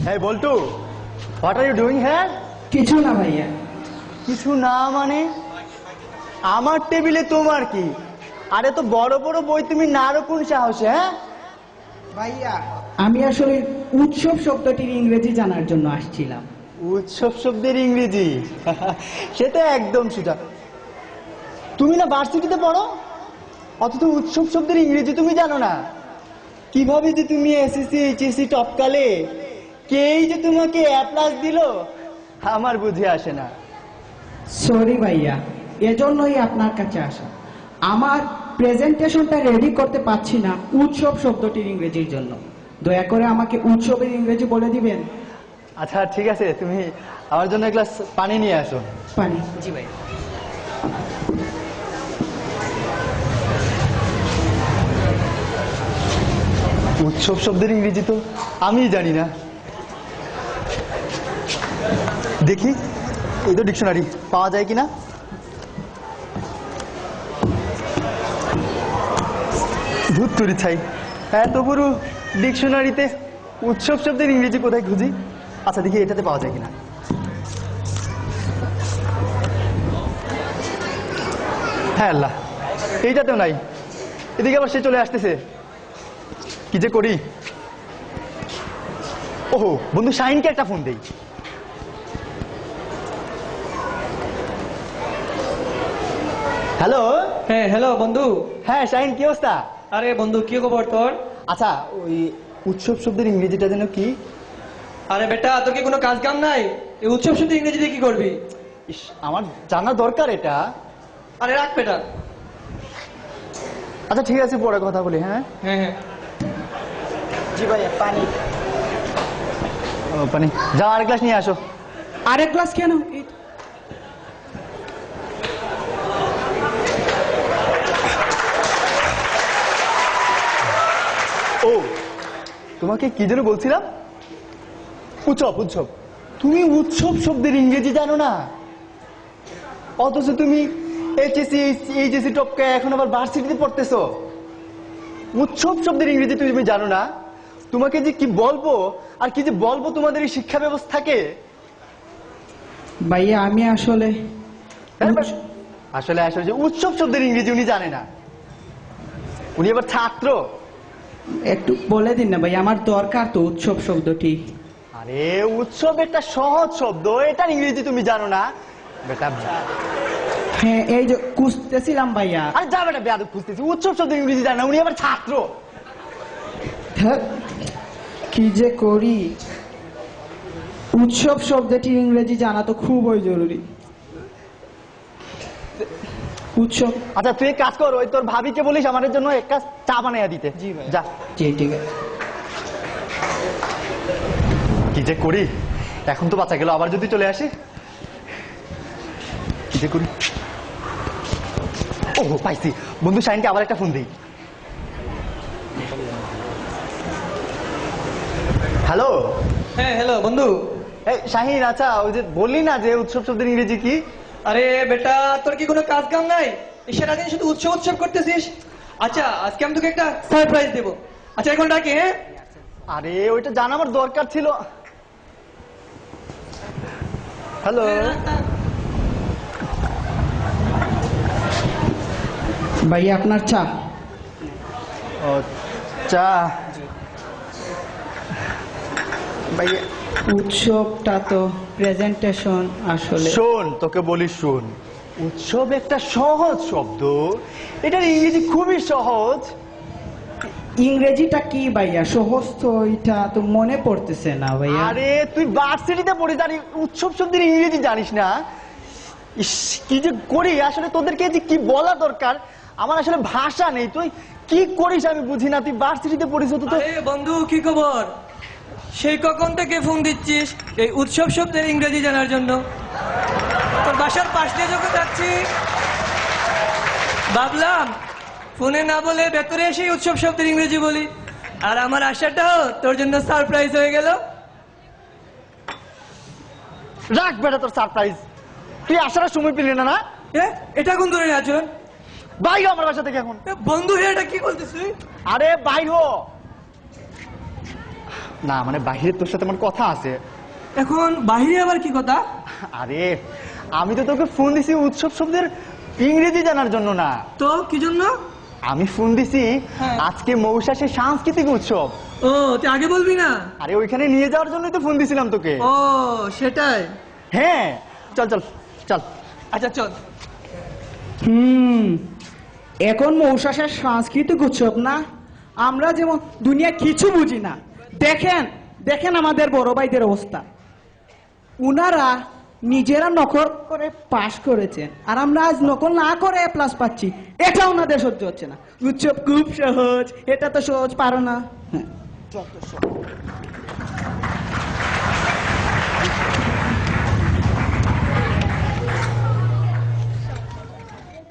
Hey Boltu, what are you doing here? কিছু না ভাইয়া। কিছু না মানে আমার টেবিলে তোমার কি? আরে তো বড় বড় বই তুমি নাড়ো কোন সাহসে? হ্যাঁ ভাইয়া আমি আসলে উৎসব শব্দটির ইংরেজি জানার জন্য আসছিলাম। উৎসব শব্দের ইংরেজি সেটা একদম সোজা। তুমি না ভার্সিটিতে পড়ো, অথচ উৎসব শব্দের ইংরেজি তুমি জানো না? কিভাবে যে তুমি এসএসসি এইচএসসি টপকালে, কেই যে তোমাকে এ প্লাস দিল আমার বুঝে আসে না। সরি ভাইয়া, এজন্যই আপনার কাছে আসা। আমার প্রেজেন্টেশনটা রেডি করতে পারছি না উৎসব শব্দটির ইংরেজির জন্য। দয়া করে আমাকে উৎসবের ইংরেজি বলে দিবেন। আচ্ছা ঠিক আছে, তুমি আমার জন্য এক গ্লাস পানি নিয়ে আসো। পানি? জি ভাই। উৎসব শব্দের ইংরেজি তো আমি জানি না। দেখি এই তো ডিকশনারি পাওয়া যায় কিনা। ভূত তরি ছাই, এত বড় ডিকশনারিতে উৎসব শব্দের ইংরেজি কোথায় খুঁজি? আচ্ছা দেখি এটাতে পাওয়া যায় কিনা। হ্যাঁ আল্লাহ, এইটাতেও নাই। এদিকে আবার সে চলে আসতেছে, কি যে করি। ওহো, বন্ধু শাহিনকে একটা ফোন দেই। হ্যালো। হ্যাঁ হ্যালো বন্ধু। হ্যাঁ শাহিন, কি অবস্থা? আরে বন্ধু কি খবর তোর? আচ্ছা ওই উৎসব শব্দের ইংরেজিটা যেন কি? আরে বেটা তোর কি কোনো কাজ কাম নাই? এই উৎসব শুধু ইংরেজিতে কি করবি? ইস, আমার জানা দরকার এটা। আরে রাখ বেটা। আচ্ছা ঠিক আছে, পরে কথা বলি। হ্যাঁ হ্যাঁ হ্যাঁ। জি ভাইয়া পানি। ও পানি, যাও আরেক গ্লাস নিয়ে আসো। আরেক গ্লাস কেন? ও তোমাকে কি যেন বলছিলাম, উৎসব। উৎসব, তুমি উৎসব শব্দের ইংরেজি জানো না? অথচ তুমি এইচএসসি এইচএসসি টপকে এখন আবার ভার্সিটিতে পড়তেছো। উৎসব শব্দের ইংরেজি তুমি জানো না? তোমাকে যে কি বলবো আর কি যে বলবো তোমাদের এই শিক্ষা ব্যবস্থাকে। ভাইয়া আমি আসলে আসলে আসলে যে উৎসব শব্দের ইংরেজি উনি জানে না, উনি আবার ছাত্র। একটু বলে দিন না ভাই, আমার দরকার তো উৎসব শব্দটি। আরে উৎসব একটা সহজ শব্দ, এটার ইংরেজি তুমি জানো না বেটা? হ্যাঁ এই যে খুঁজতেছিলাম ভাইয়া। আরে যা বেটা, বেয়াদব খুঁজতেছি। উৎসব শব্দের ইংরেজি জানে না, উনি আবার ছাত্র। হ্যাঁ, কি যে করি। উৎসব শব্দটির ইংরেজি জানা তো খুবই জরুরি। উৎসব। আচ্ছা তুই এক কাজ কর, ওই তোর ভাবিকে বলিস আমাদের জন্য এক কাজ চা বানাইয়া দিতে। জি ভাই। যা। জি ঠিক আছে। কি যে করি, এখন তো বাচ্চা গেল, আবার যদি চলে আসে কি যে করি। ওহো পাইছি, বন্ধু শাহিনকে আবার একটা ফোন দিই। হ্যালো। হ্যাঁ হ্যালো বন্ধু। এই শাহিন, আচ্ছা ওই যে বললি না যে উৎসব শব্দের ইংরেজি কি? আরে বেটা তোর কি কোনো কাজ কাম নাই? সারাদিন শুধু উৎসব উৎসব করতেছিস। আচ্ছা আজকে আমি তোকে একটা সারপ্রাইজ দেবো। আচ্ছা এখন ডাকি। হ্যাঁ আরে ওইটা জানা আমার দরকার ছিল। হ্যালো। ভাইয়া আপনার চা। ও চা। ভাইয়া উৎসবটা তো প্রেজেন্টেশন আসলে। শোন, তোকে বলি শোন, উৎসব একটা সহজ শব্দ, এটার ইংরেজি খুবই সহজ। ইংরেজিটা কি ভাইয়া? সহজ তো, এটা তো মনে পড়তেছে না ভাইয়া। আরে তুই ভার্সিটিতে পড়িস আর উৎসব শব্দের ইংরেজি জানিস না? ইস, কি যে করি আসলে, তোদেরকে যে কি বলা দরকার আমার আসলে ভাষা নেই। তুই কি করিস আমি বুঝি না। তুই ভার্সিটিতে পড়িস তো। আরে বন্ধু কি খবর? সেই কখন থেকে ফোন দিচ্ছিস এই উৎসব শব্দের ইংরেজি জানার জন্য? তোর বাসার পাশ দিয়ে যখন যাচ্ছি ভাবলাম ফোনে না বলে ভেতরে এসে উৎসব শব্দের ইংরেজি বলি, আর আমার আশাটাও তোর জন্য সারপ্রাইজ হয়ে গেল। রাখ বেটা তোর সারপ্রাইজ, তুই আসার সময় পেলি না। না এটা কোন ধরনের আচরণ? বাইরে আমার বাসা থেকে এখন। বন্ধু এটা কি বলতেছিস? আরে বাইর হ। না মানে বাইরে তোর সাথে আমার কথা আছে। এখন বাহিরে আবার কি কথা? আরে আমি তো তোকে ফোন দিছি উৎসব শব্দের ইংরেজি জানার জন্য না। তো কি জন্য? আমি ফোন দিছি হ্যাঁ। আজকে মৌসাসের সাংস্কৃতিক উৎসব। ও তুই আগে বলবি না? আরে ওইখানে নিয়ে যাওয়ার জন্যই তো ফোন দিছিলাম তোকে। ও সেটাই। হ্যাঁ চল চল চল। আচ্ছা চল। এখন মৌসাসের সাংস্কৃতিক উৎসব না, আমরা যেমন দুনিয়া কিছু বুঝি না। দেখেন দেখেন আমাদের বড় ভাইদের অবস্থা, উনারা নিজেরা নকল করে পাশ করেছেন, আর আমরা আজ নকল না করে প্লাস পাচ্ছি। এটা ওনাদের সহ্য হচ্ছে না। উৎসব খুব সহজ, এটা তো সহজ পারো না। হ্যাঁ, চল তো সহজ।